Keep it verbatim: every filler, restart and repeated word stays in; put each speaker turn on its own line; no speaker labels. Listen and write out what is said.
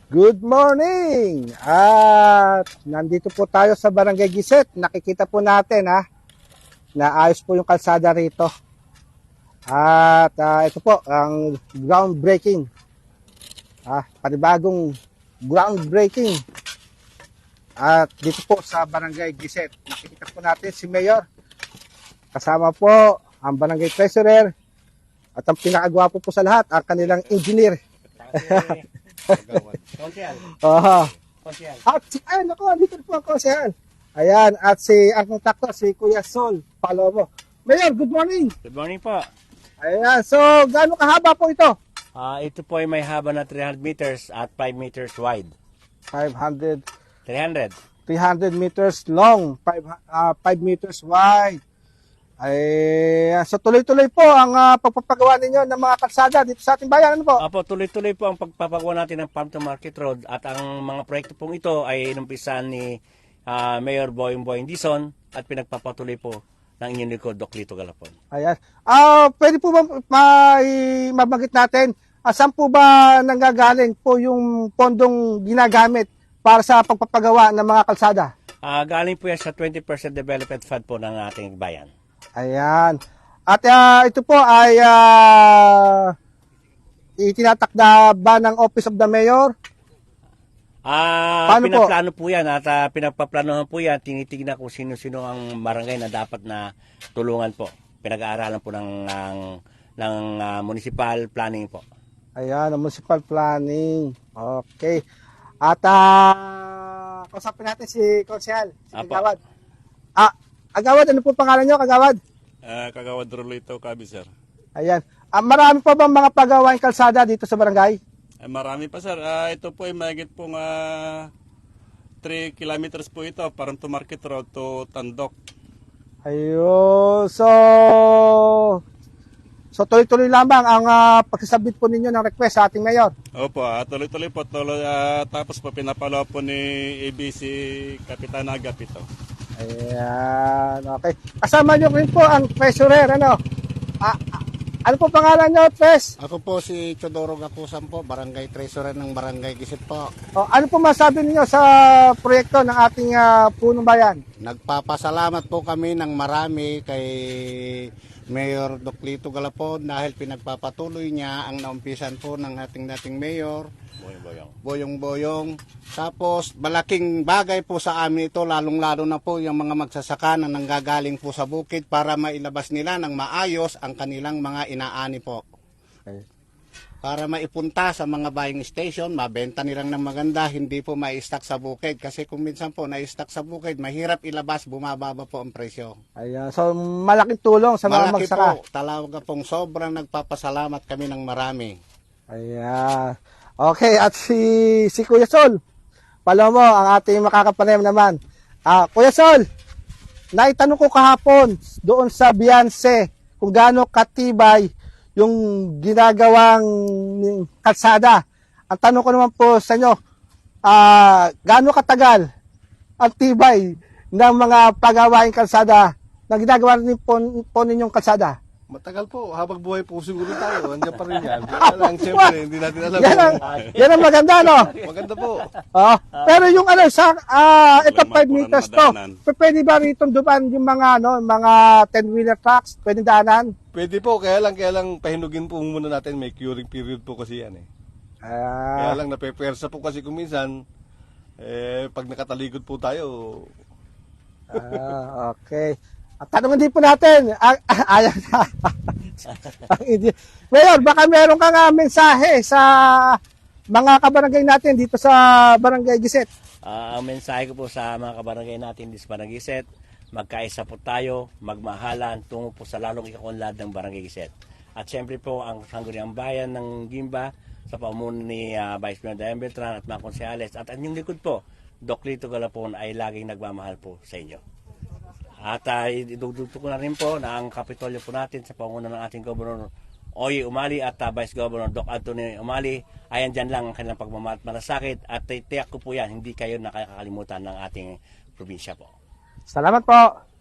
Good morning! At nandito po tayo sa Barangay Giset. Nakikita po natin ha, na ayos po yung kalsada rito. At uh, ito po, ang groundbreaking. Ah, panibagong groundbreaking. At dito po sa Barangay Giset, nakikita po natin si Mayor. Kasama po ang Barangay Treasurer. At ang pinakagwapo po sa lahat, ang kanilang engineer.
Konsyal.
Aha.
Konsyal.
At si, ay, naku, dito po ang konsehal. Ayan, at si, ang kontakto, si Kuya Sol Palomo. Mayor, good morning.
Good morning po.
Ayan, so, gaano kahaba po ito?
Ah, ito po ay may haba na three hundred meters at five meters wide.
five hundred,
three hundred.
three hundred meters long, five, uh, five meters wide. Ay, so tuloy-tuloy po ang uh, pagpapagawa ninyo ng mga kalsada dito sa ating bayan. Ano po?
Apo, tuloy-tuloy po ang pagpapagawa natin ng Farm to Market Road at ang mga proyekto pong ito ay inumpisahan ni ah, Mayor Boyong Boyong Dizon at pinagpapatuloy po ng inyong likod, Doc Lito Galapon.
Ayan. Ah, pwede po ba may mabanggit natin, ah, saan po ba nanggagaling po yung pondong ginagamit para sa pagpapagawa ng mga kalsada?
Ah, galing po yan sa twenty percent development fund po ng ating bayan.
Ayan. At ah, ito po ay uh, itinatakda ba ng Office of the Mayor?
Ah,
Paano po?
pinaplano po? yan at ah, pinagpaplanohan po yan. Tinitignan kung sino-sino ang barangay na dapat na tulungan po. Pinag-aaralan po ng ng, ng ah, municipal planning po.
Ayan, ang municipal planning. Okay. At uh, kausapin natin si Konsehal, si
Apo.
Kagawad. Ah, Kagawad, ano po pangalan nyo, Kagawad?
Uh, Kagawad Rolito Cabi, sir.
Ayan. Ah, marami pa bang mga pagawaing kalsada dito sa barangay?
Eh, marami pa, sir. Ah, ito po ay mahigit pong ah, three kilometers po ito, parang to Market Road to Tandok.
Ayun. So, so tuloy-tuloy lamang ang uh, pagsasabit po ninyo ng request sa ating mayor.
Opo, ah, tuloy-tuloy po. Tuloy, ah, tapos po pinapalo po ni A B C Kapitan Agap ito.
Ayan. Okay. Kasama nyo rin po ang treasurer. Ano? Ah, ah, ano po pangalan nyo, Tres?
Ako po si Chodoro Gakusan po, Barangay Treasurer ng Barangay Gisit po.
O, ano po masabi niyo sa proyekto ng ating uh, punong bayan?
Nagpapasalamat po kami ng marami kay Mayor Doc Lito Galapon dahil pinagpapatuloy niya ang naumpisan po ng ating dating mayor,
Boyong-boyong.
Boyong-Boyong. Tapos malaking bagay po sa amin ito, lalong-lalo na po yung mga magsasaka na nanggagaling po sa bukid para mailabas nila ng maayos ang kanilang mga inaani po.
Okay.
Para maipunta sa mga buying station, mabenta nilang ng maganda, hindi po ma-stock sa bukid. Kasi kung minsan po na-stock sa bukid, mahirap ilabas, bumababa po ang presyo.
Ayan. So, malaking tulong sa mga
Malaki
magsaka.
po, talaga pong sobrang nagpapasalamat kami ng marami.
Ayan. Okay, at si si Kuya Sol, Palomo, ang ating makakapanayam naman. Ah, Kuya Sol, naitanong ko kahapon doon sa Beyonce kung gaano katibay yung ginagawang kalsada. Ang tanong ko naman po sa inyo, ah, gaano katagal ang tibay ng mga pagawaing kalsada na ginagawa rin po, po ninyong kalsada?
Matagal po, habang buhay po siguro tayo, andiyan pa rin yan. Kaya lang, siyempre, hindi natin alam
Yan ang,
kung
yan ang maganda, no?
maganda po.
Oh, pero yung ano sa ah ito
Walang
five
mapunan
meters to.
madaanan.
p- Pwede ba rito dumaan yung mga ano, mga ten wheeler trucks? Pwede daanan?
Pwede po, kaya lang, kaya lang, pahinugin po muna natin, may curing period po kasi yan eh.
Ah,
Kaya lang, napepersa po kasi kung minsan, eh, pag nakataligod po tayo,
ah, okay. At tanongin din po natin, ah, ah, ayan na. Ang idi- Mayor, baka meron kang ah, mensahe sa mga kabarangay natin dito sa Barangay Giset.
Ah, ang mensahe ko po sa mga kabarangay natin di sa Barangay Giset, magkaisa po tayo, magmahalan tungo po sa lalong ikakunlad ng Barangay Giset. At siyempre po ang sangguniang bayan ng Gimba sa pamumuno ni ah, Vice Mayor Dayan Beltran at mga konsehales at ang inyong likod po, Doc Lito Galapon ay laging nagmamahal po sa inyo. At uh, idudugtog ko na rin po na ang kapitolyo po natin sa panguna ng ating Governor Oye Umali at uh, Vice Governor Doc Anthony Umali ay andyan lang ang kanilang pagmamalasakit at uh, tiyak ko po yan, hindi kayo nakakalimutan ng ating probinsya po.
Salamat po.